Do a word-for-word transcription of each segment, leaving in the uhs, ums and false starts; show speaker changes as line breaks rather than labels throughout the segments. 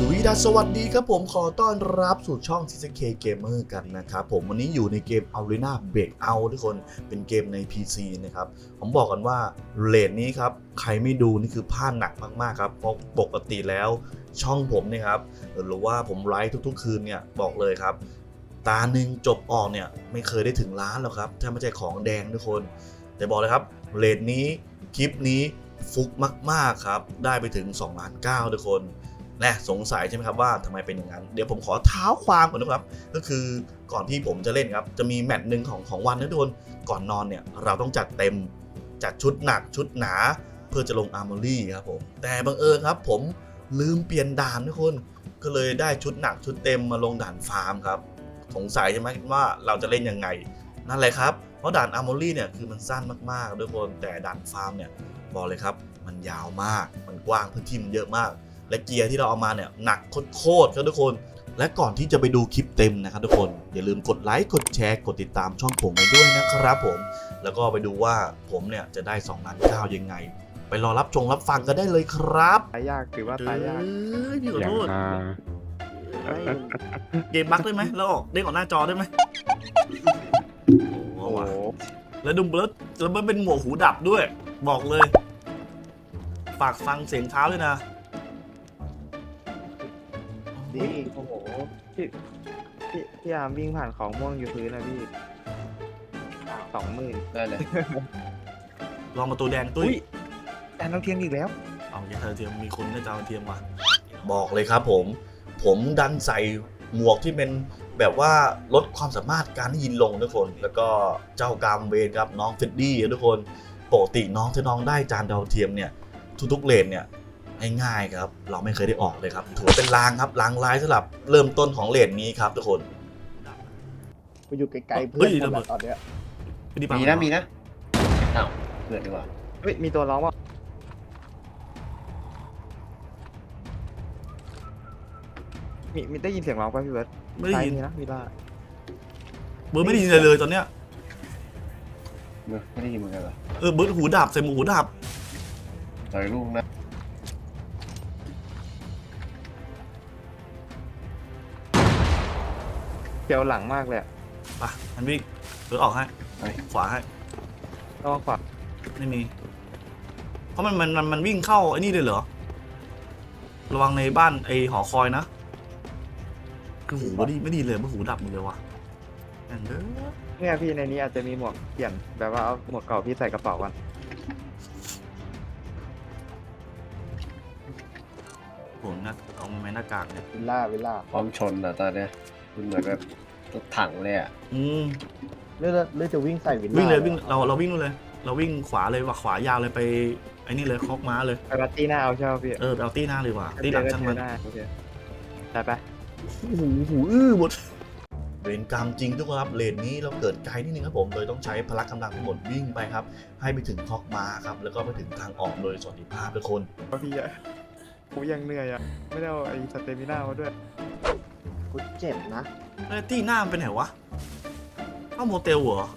วีดัสสวัสดีครับผมขอต้อนรับสู่ช่อง ที ซี เค Gamer กันนะครับผมวันนี้อยู่ในเกม Arena Breakout ทุกคนเป็นเกมใน พี ซี นะครับผมบอกกันว่าเรทนี้ครับใครไม่ดูนี่คือพลาดหนักมากๆครับเพราะปกติแล้วช่องผมเนี่ยครับหรือว่าผมไลฟ์ทุกๆคืนเนี่ยบอกเลยครับตาหนึ่งจบออกเนี่ยไม่เคยได้ถึงล้านหรอกครับถ้าไม่ใช่ของแดงทุกคนแต่บอกเลยครับเรทนี้คลิปนี้ฟุกมากๆครับได้ไปถึงสองล้านเก้าทุกคนและสงสัยใช่ไหมครับว่าทำไมเป็นอย่างนั้นเดี๋ยวผมขอเท้าความก่อนนะครับก็คือก่อนที่ผมจะเล่นครับจะมีแมตช์หนึ่งของของวันนะทุกคนก่อนนอนเนี่ยเราต้องจัดเต็มจัดชุดหนักชุดหนาเพื่อจะลงอาร์มอรี่ครับผมแต่บังเอิญครับผมลืมเปลี่ยนด่านทุกคนก็เลยได้ชุดหนักชุดเต็มมาลงด่านฟาร์มครับสงสัยใช่ไหมว่าเราจะเล่นยังไงนั่นแหละครับเพราะด่านอาร์มอรี่เนี่ยคือมันสั้นมากๆทุกคนแต่ด่านฟาร์มเนี่ยบอกเลยครับมันยาวมากมันกว้างพื้นที่มันเยอะมากและเกียร์ที่เราเอามาเนี่ยหนักโคตรๆครับทุกคนและก่อนที่จะไปดูคลิปเต็มนะครับทุกคนอย่าลืมกดไลค์กดแชร์กดติดตามช่องผมไปด้วยนะครับผมแล้วก็ไปดูว่าผมเนี่ยจะได้สองล้านเก้ายังไงไปรอรับชมรับฟังกันได้เลยครับ
ตายยากถือว่าตายยาก
เอ้ยพี่ขอ
อย่าง
โทษ
มา
เกมบั๊กได้ไหมแล้วออกเด้งออกหน้าจอได้ไหมโอ้
โอ้
โห
โห
ว่ะแล้วดูแล้วแล้วมันเป็นหมวกหูดับด้วยบอกเลยฝากฟังเสียงเท้าด้วยนะ
นี่โอ้โหพี่พี่พี่อาร์มวิ่งผ่านของม่วงอยู่พื้นนะพี่สองหมื่น
ได้เลย
ลองประตูแดงตุ้ย
แต่น้องเทียนอีกแล้ว
เอาอย่าเธอเทียมมีคนได้จาวเทียมว่ะบอกเลยครับผมผมดันใส่หมวกที่เป็นแบบว่าลดความสามารถการได้ยินลงทุกคนแล้วก็เจ้ากรรมเวรครับน้องเฟดดี้ทุกคนปกติน้องที่น้องได้จานดาวเทียมเนี่ยทุกๆเลนเนี่ยง่ายๆครับเราไม่เคยได้ออกเลยครับถือว่าเป็นลางครับลางร้ายสำหรับเริ่มต้นของเลนนี้ครับทุกคน
ไปอยู่ไกลๆเพื่อนคนละตอนเนี้ย
มีนะมีนะอ้าวเกิดดีกว่า
เฮ้ยมีตัวร้องว่ามีมีได้ยินเสียงร้องป่ะพี่เบิร์ด
ไม่ได้ยิน
ซ้ามีนะมีล่า
เบิร์ดไม่ได้ยินอะไรเลยตอนเนี้ย
ไม่ได้ยินเหมือนกันเหรอ
เออเบิร์ดหูดับใส่หมูหูดับ
ต่อยลูกนะ
เกี่ยวหลังมากเลยอะ
ไปมันวิ่งเบิร์ดออกให้ขวาให้
ระวังขวา
ไม่มีเพราะมันมันมันมันวิ่งเข้าไอ้นี่เลยเหรอระวังในบ้านไอ้หอคอยนะคือหูไม่ดีไม่ดีเลยมันหูดับหมดเลยว่ะอย่างเด้อ
เนี่ยพี่ในนี้อาจจะมีหมวกเปลี่ยนแบบว่าเอาหมวกเก่าพี่ใส่กระเป๋ากัน
ผมนะเอาไม้หน้ากากเนี่ย
วิลล่าวิลล่า
พร้อมชนอ่ะตอนเนี้ยมันเหมือนแบบรถถังเลยอ่ะ
อืม
เลือดเลือดจะวิ่งใส่วิลล่า
วิ่งเลยวิ่งเราเราวิ่งนู่นเลย เราวิ่งขวาเลยว่าขวายาวเลยไปไอ้นี่เลยคอกม้าเลย
ไปรัตตี้หน้าเอาใช่ไหมพี่
เออไปเอาตีหน้าเลยว่ะตีหลังช่างมัน
ได้โอเคได้ปะ
หูหูอื้อหมดเวรกรรมจริงทุกคนครับเลนนี้เราเกิดไกลนิดนึงครับผมเลยต้องใช้พละกำลังทั้งหมดวิ่งไปครับให้ไปถึงคอกม้าครับแล้วก็ไปถึงทางออกโดยสวัสดิภาพทุกคน
พี่อะกูยังเหนื่อยอะไม่ได้เอาไอ้สเตมิน่ามาด้วย
กูเจ็บนะ
แล้วตีหน้ามันเป็นไหนวะเข้าโมเตลเหรอ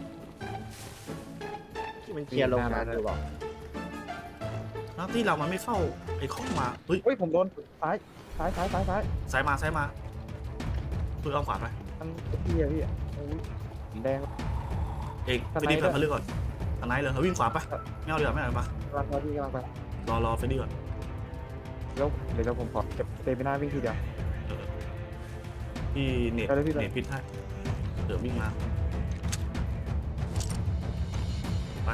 ที่มันเคลียร์โรงงานอยู่บอก
แล้วที่เรามันไม่เข้าไอ้คอกม้าเฮ้ย
เฮ้ยผมโดนซ้ายซ้ายซ้ายซ้ายซ้าย
ซ้ายมาซ้ายมาตัวเอาขวาไป
มันพี่อะพี่อะโอ้ยผมแดง
เอก
ส
เฟ
ไน
ดดี้
เดอร์
ไปเลือกก่อนสไนด์เลยเขาวิ่งขวาไปไม่เอาเรือไม่เอาปะ
กำลังไปพี่กำลังไป
รอรอเฟดดี้ก่อน
แล้วเดี๋ยวผมขอเก็บสเตมิน่าวิ่งทีเดียว
พี่เน็ต
ไปเลยพี่เลย
เน็ตพิษให้เดี๋ยววิ่งมาไป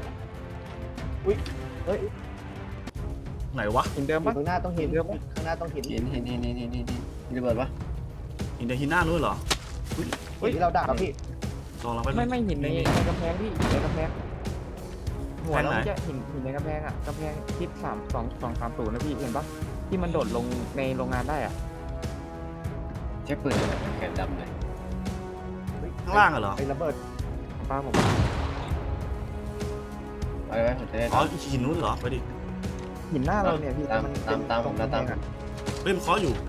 เฮ้ย
ไหนวะ
หินเดิม
อยู่
ปะ
ข้างหน้าต้องเห็นข้างหน้าต้องเห็น
เห็นเห็นเห็นเห็นเห็นเห็นมีระเบิดปะ
อินเดฮิน่านู้นเหรอ
เฮ้ยที่เราด่าครับพี่
ลองเราไป
ไม่ไม่หินในในกำแพงพี่หินในกำแพงหัวเรา
แพงไหน
จะหินหินในกำแพงอะกำแพงทิศสามสองสองสามศูนย์นะพี่เห็นปะที่มันโดดลงในโรงงานได้อะ
ใช้ปืนอะไรแขนดำเลย
ข้างล่างอะเหรอ
ไอ้ระเบิด
ของป้าผม
ไปไว้ผมจะได้
อ๋อหินนู้นเหรอไปดิ
หินหน้าเราเนี่ยพี่
ตาม
มัน
ตามตามผมนะตามผม
เฮ้ยมันเคาะอยู่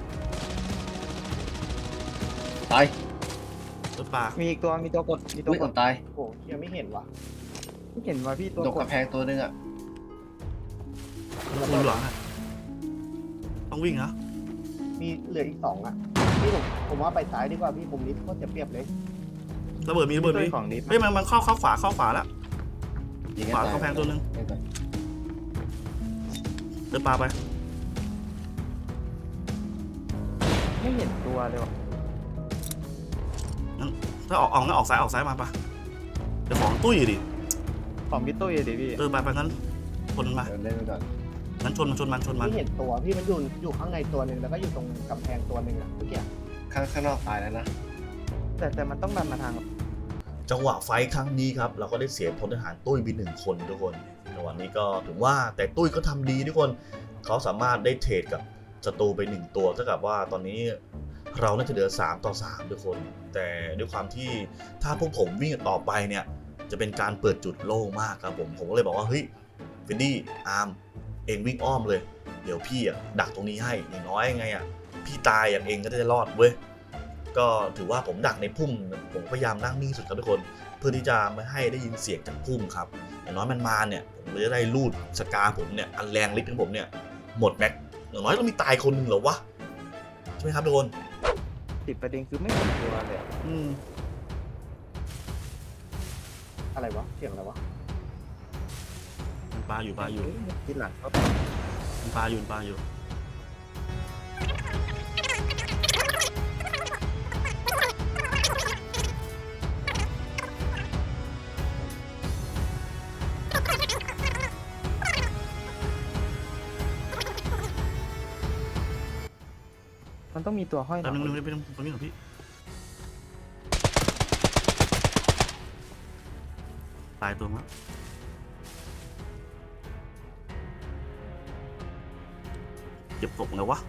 ตาย
รถปลา
มีอีกตัวมีตัวกดมีตัว
อุ้ย
ก
ค
ด
นตาย
โอ้ยังไม่เห็นว่ะ
เห็นว่าพี่ตัว
ตก
กด
กระแพงตัวนึงอ่ะ
คุณหลังอะต้องวิ่งนะ
มีเหลืออีกสองอ่ะพี่ผมผมว่าไปซ้ายดีกว่าพี่ผมนี้โคตรจะเปรียบเลย
ระเบิดมีระเบิดมี
ของนี้
เฮ้ยมันมันเข้าเข้าขวาเข้าขวาแล้ว
ยิง
ขวาเข้าแพงตัวนึงเดินปลาไป
ไม่เห็นตัวเลยว่ะ
ถ้าออกออกงั้นออกซ้ายออกซ้ายมาปะเดี๋ยวของตุ้ยดิ
ของพี่ตุ้ยดิพี่
เออไปไปงั้นชนมันมา
เดินเล่นไปก่อน
งั้นชนมันชนมันชนมัน
พี่เห็นตัวพี่มันอยู่อยู่ข้างในตัวหนึ่งแล้วก็อยู่ตรงกำแพงตัวหนึ่งอ่ะเมื่อกี้
ข้างข้างนอกตายแล้วนะ
แต่แต่มันต้องดันมาทาง
จังหวะไฟท์ครั้งนี้ครับเราก็ได้เสียพลทหารตุ้ยไปหนึ่งคนทุกคนจังหวะนี้ก็ถือว่าแต่ตุ้ยก็ทำดีทุกคนเขาสามารถได้เทรดกับศัตรูไปหนึ่งตัวเท่ากับว่าตอนนี้เราน่าจะเหลือสามต่อสามทุกคน แต่ด้วยความที่ถ้าพวกผมวิ่งต่อไปเนี่ยจะเป็นการเปิดจุดโล่งมากครับผมผมก็เลยบอกว่าเฮ้ยเฟนดี้อาร์มเองวิ่งอ้อมเลยเดี๋ยวพี่อ่ะดักตรงนี้ให้อย่างน้อยไงอ่ะพี่ตายอย่างเองก็จะรอดเว้ยก็ถือว่าผมดักในพุ่มผมพยายามนั่งนิ่งสุดครับทุกคนเพื่อที่จะไม่ให้ได้ยินเสียงจากพุ่มครับอย่างน้อยมันมาเนี่ยผมก็จะได้ลูดสกาผมเนี่ยอันแรงลิ์ของผมเนี่ยหมดแม็กอย่างน้อยต้องมีตายคนหนึ่งเหรอวะใช่ไหมครับทุกคน
ติดประเด็นคือไม่เห็นตัวเลยอะ
อืม
อะไรวะเสียงอะไรวะ
มันปลาอยู่ปลาอยู่
ทีหลังก็
มันปลาอยู่มันปลาอยู่
มันต้องมีตัวห้อยห
แป๊บนึง
ลั
นึงไปตรงตรงนี้หน่อยพี่ตายตัวมั้งเก็บศพไงวะ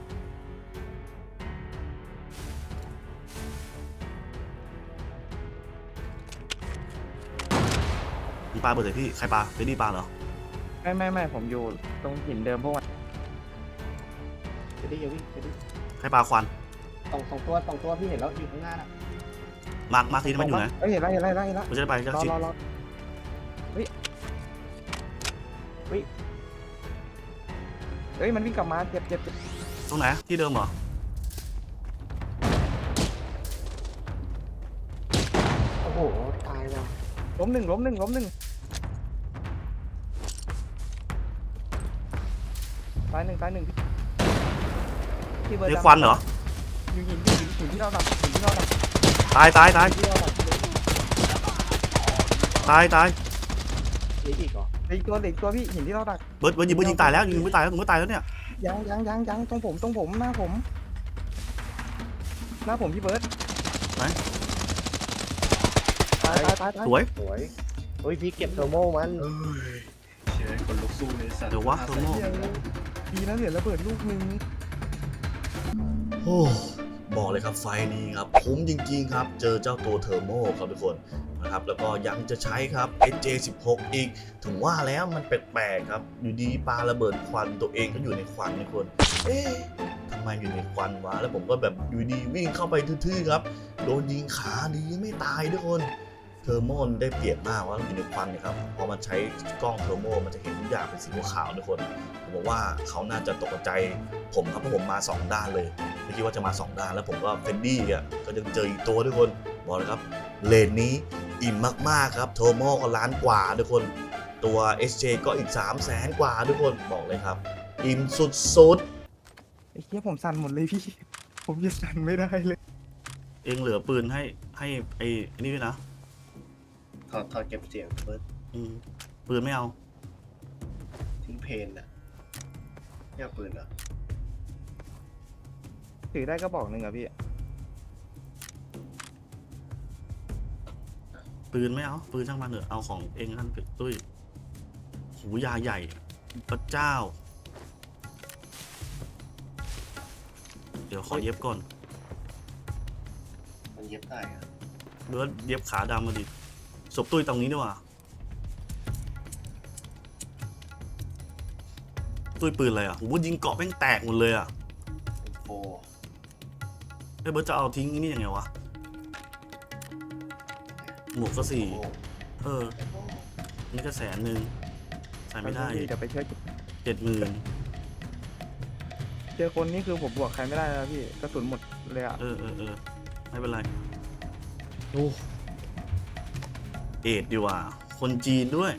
มีปลาเบิดเลยพี่ใครปลาเป็นนี่ปลาเหรอ
ไม่ไม่ไม่ผมอยู่ตรงหินเดิมพวกมัน
จะได้เยอะวิ่งจะได้
ใครปลาควัน
สองสองตัวสองตัวพี่เห็นแล้วอยู่ข้างหน้าน่ะ
มาร์คมาร์คทีที่มันอยู่ไหน
เอ้ยเห็นแล้วเห็นแล้วเห็นแล้ว
ผมจะได้ไปจะ
รอ
ชิด
รอรอเฮ้ยเฮ้ยเฮ้ยมันวิ่งกลับมาเจ็บเจ็บเจ็บ
ตรงไหนที่เดิมเหรอ
โอ้โหตายแล้ว
ล้มหนึ่งล้มหนึ่งล้มหนึ่งตายหนึ่งตายหนึ่งพี่เบิร์ด
นี่ควันเหรอ
อยู่หินอยู่หินหินที่เราดับหินที่เราดับ
ตายตายตาย
ที่เราดับ
ตายตาย
นี่อีกเหรอ
เหลืออีกตัวเหลืออีกตัวพี่หินที่เราดัก
เบิร์ดเบิร์ดยิงเบิร์ดยิงตายแล้วยิงไม่ตายแล้วผมก็ตายแล้วเนี่ย
ยังยังยังยังตรงผมตรงผมหน้าผมหน้าผมพี่เบิร์ดตายตายตายตาย
สวย
สวยโอ้ยพี่เก็บเทอร์โมมัน
เชื่อคนลุกสู้เลยสัตว์
เดี๋ยววะโทโม่
ดีนะเหลือระเบิดลูกหนึง
โอ้บอกเลยครับไฟนี้ครับคุ้มจริงๆครับเจอเจ้าตัวเทอร์โมครับทุกคนนะครับแล้วก็ยังจะใช้ครับ เอส เจ สิบหก อีกถึงว่าแล้วมันแปลกๆครับอยู่ดีปาระเบิดควันตัวเองก็อยู่ในควันทุกคนเอ๊ะทำไมอยู่ในควันวะแล้วผมก็แบบอยู่ดีวิ่งเข้าไปทื่อๆครับโดนยิงขาดีไม่ตายทุกคนเทอร์โมได้เปรียบมากว่าอยู่ในควันเนี่ยครับพอมันใช้กล้องเทอร์โมมันจะเห็นทุกอย่างเป็นสีขาวๆทุกคนผมบอกว่าเขาน่าจะตกใจผมครับเพราะผมมาสองด้านเลยไม่คิดว่าจะมาสองด้านแล้วผมก็เฟนดี้อ่ะก็ยังเจออีกตัวทุกคนบอกเลยครับเลนนี้อิ่มมากๆครับเทอร์โมก็ล้านกว่าทุกคนตัว เอส เจ ก็อีกสามแสนกว่าทุกคนบอกเลยครับอิ่มสุดๆ
ไอ้เหี้ยผมสั่นหมดเลยพี่ ผมยังสั่นไม่ได้เลย
เองเหลือปืนให้ให้ไอ้ไอ้นี่ด้วยนะ
ถอดถอดเก็บเสียงเฟิร์ส
อืมปืนไม่เอา
ทิ้งเพนนะไม่เอาปืนเหรอ
ถือได้ก็บอกหนึ่งอะพี่
ปืนไม่เอาปืนช่างมันเถอะเอาของเองท่านตุ้ยหูยาใหญ่พระเจ้า เดี๋ยวขอเย็บก่อน
มันเย็บได้อะ
เบิร์ดเย็บขาดำมาดิศพตุ้ยตรงนี้ด้วยว่ะตุ้ยปืนอะไรอ่ะโหยิงเกาะแม่งแตกหมดเลยอ่ะ
เป็นโฟ
ไอ้เบิร์ดจะเอาทิ้งนี่ยังไงวะหมวกก็สี่
โอ้
เออ นี่ก็แสนหนึ่งใส่ไม่ได้
เดี๋ยวไปช่วย
เจ็ดหมื่น
เเจอคนนี่คือผมบวกใครไม่ได้แล้วพี่กระสุนหมดเลยอ่ะ
เออเออเออไม่เป็นไรโอ้เอ็ดดีกว่า คนจีนด้วย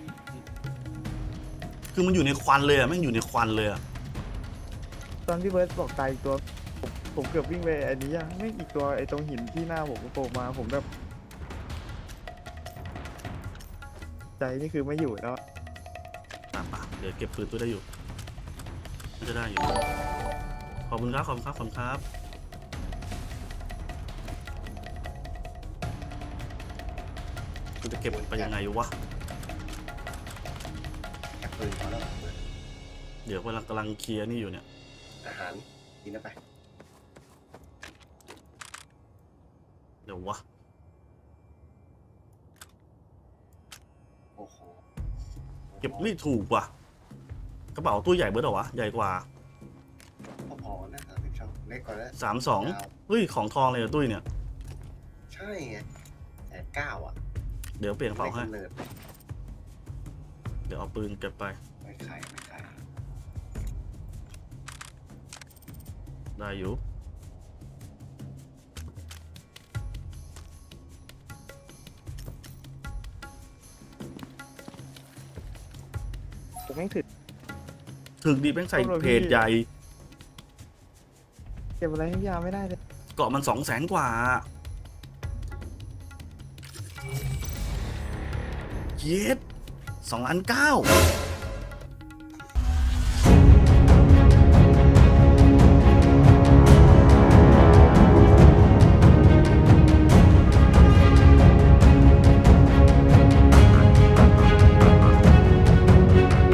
คือมันอยู่ในควันเลยอะแม่งอยู่ในควันเลยอะ
ตอนพี่เบิร์ดบอกตายอีกตัวผมผมเกือบวิ่งไปอันนี้อะไม่อีกตัวไอ้ตรงหินที่หน้าผมโผล่มาผมแบบใจนี่คือไม่อยู่แล้ว
ป่ะป่ะเดี๋ยวเก็บปืนตัวได้อยู่น่าจะได้อยู่ ขอบคุณครับ ขอบคุณครับ ขอบคุณครับ กูจะเก็บไปยังไงวะ
แค่ปืนพอแล้ว
เดี๋ยวกำลังกำลังเคลียร์นี่อยู่เนี่ย
อาหารกินนะไป
เดี๋ยววะ
โอ้โห
เก็บไม่ถูกว่ะ กระเป๋าตู้ใหญ่เบิร์ดเหรอวะ ใหญ่กว่า
พอๆนะสามสิบช่องเล็กกว่าแล้ว
สามสองเฮ้ย ของทองเลยอะตุ้ยเนี่ย
ใช่ไงแต่เก้าอ่ะ
เดี๋ยวเปลี่ยนกระเป๋าให้
ไม่กำเนิด
เดี๋ยวเอาปืนเก็บไป
ไม่ขายไม่ขาย
ได้อยู่
ผมแม่งถึก
ถึงดีแม่งใส่
ต้องรอพี่
เพจใหญ่
เก็บอะไรให้พี่อาร์ไม่ได้เลย
เกาะมันสองแสนกว่า เย็ดสองล้านเก้า